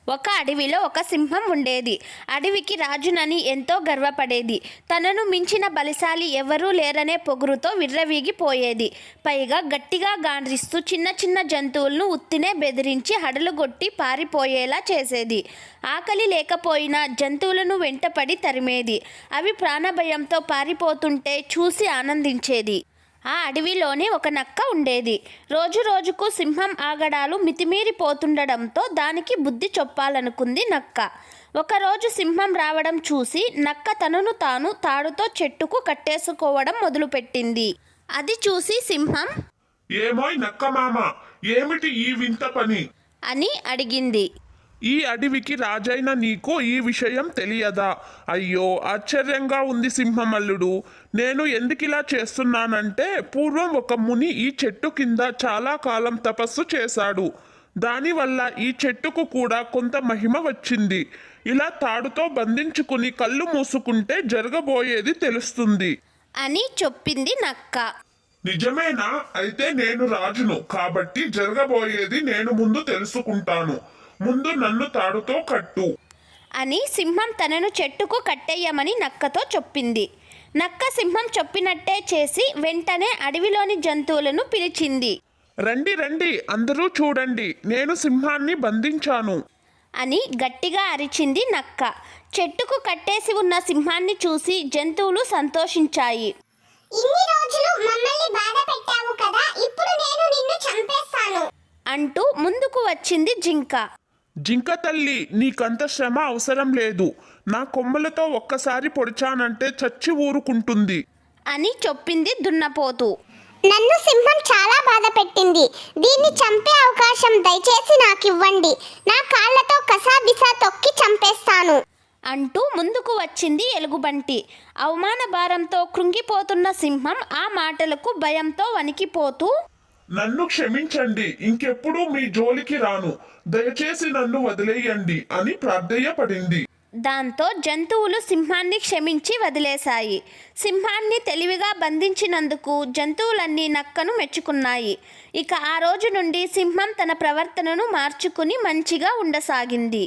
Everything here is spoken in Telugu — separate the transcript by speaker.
Speaker 1: ఒక అడవిలో ఒక సింహం ఉండేది. అడవికి రాజునని ఎంతో గర్వపడేది. తనను మించిన బలిశాలి ఎవరూ లేరనే పొగురుతో విర్రవీగిపోయేది. పైగా గట్టిగా గాండ్రిస్తూ చిన్న చిన్న జంతువులను ఉత్తినే బెదిరించి హడలుగొట్టి పారిపోయేలా చేసేది. ఆకలి లేకపోయినా జంతువులను వెంటపడి తరిమేది. అవి ప్రాణభయంతో పారిపోతుంటే చూసి ఆనందించేది. ఆ అడవిలోనే ఒక నక్క ఉండేది. రోజు రోజుకు సింహం ఆగడాలు మితిమీరిపోతుండడంతో దానికి బుద్ధి చెప్పాలనుకుంది నక్క. ఒకరోజు సింహం రావడం చూసి నక్క తనను తాను తాడుతో చెట్టుకు కట్టేసుకోవడం మొదలుపెట్టింది. అది చూసి సింహం,
Speaker 2: ఏమోయ్ నక్క మామ, ఏమిటి ఈ వింత పని
Speaker 1: అని అడిగింది.
Speaker 2: ఈ అడవికి రాజైన నీకు ఈ విషయం తెలియదా? అయ్యో, ఆశ్చర్యంగా ఉంది సింహమల్లుడు. నేను ఎందుకిలా చేస్తున్నానంటే, పూర్వం ఒక ముని ఈ చెట్టు కింద చాలా కాలం తపస్సు చేశాడు. దానివల్ల ఈ చెట్టుకు కూడా కొంత మహిమ వచ్చింది. ఇలా తాడుతో బంధించుకుని కళ్ళు మూసుకుంటే జరగబోయేది తెలుస్తుంది
Speaker 1: అని చెప్పింది నక్క.
Speaker 2: నిజమేనా? అయితే నేను రాజును కాబట్టి జరగబోయేది నేను ముందు తెలుసుకుంటాను. ముందు నన్ను తాడుతో కట్టు
Speaker 1: అని సింహం తనను చెట్టుకు కట్టేయమని నక్కతో చెప్పింది. నక్క సింహం చెప్పినట్టే చేసి వెంటనే అడవిలోని జంతువులను పిలిచింది.
Speaker 2: రండి రండి, అందరూ చూడండి, నేను సింహాన్ని బంధించాను
Speaker 1: అని గట్టిగా అరిచింది నక్క. చెట్టుకు కట్టేసి ఉన్న సింహాన్ని చూసి జంతువులు సంతోషించాయి.
Speaker 3: ఇన్ని రోజులు మమ్మల్ని బాధ పెట్టావు కదా, ఇప్పుడు నేను నిన్ను చంపేస్తాను
Speaker 1: అంటూ ముందుకు వచ్చింది జింక.
Speaker 2: జింక తల్లి, నీకంత శ్రమ అవసరం లేదు. నా కొమ్మలతో ఒక్కసారి పొడిచానంటే చచ్చి ఊరుకుంటుంది
Speaker 1: అని చెప్పింది దున్నపోతు.
Speaker 3: నన్ను సింహం చాలా బాధ పెట్టింది. దీన్ని చంపే అవకాశం దయచేసి నాకివ్వండి. నా కాళ్ళతో కసాబిసా తొక్కి చంపేస్తాను
Speaker 1: అంటూ ముందుకు వచ్చింది ఎలుగుబంటి. అవమాన భారంతో కృంగిపోతున్న సింహం ఆ మాటలకు భయంతో వణికిపోతూ,
Speaker 2: నన్ను క్షమించండి, ఇంకెప్పుడు మీ జోలికి రాను, దయచేసి నన్ను వదిలేయండి అని ప్రార్థయపడింది.
Speaker 1: దాంతో జంతువులు సింహాన్ని క్షమించి వదిలేశాయి. సింహాన్ని తెలివిగా బంధించినందుకు జంతువులన్నీ నక్కను మెచ్చుకున్నాయి. ఇక ఆ రోజు నుండి సింహం తన ప్రవర్తనను మార్చుకుని మంచిగా ఉండసాగింది.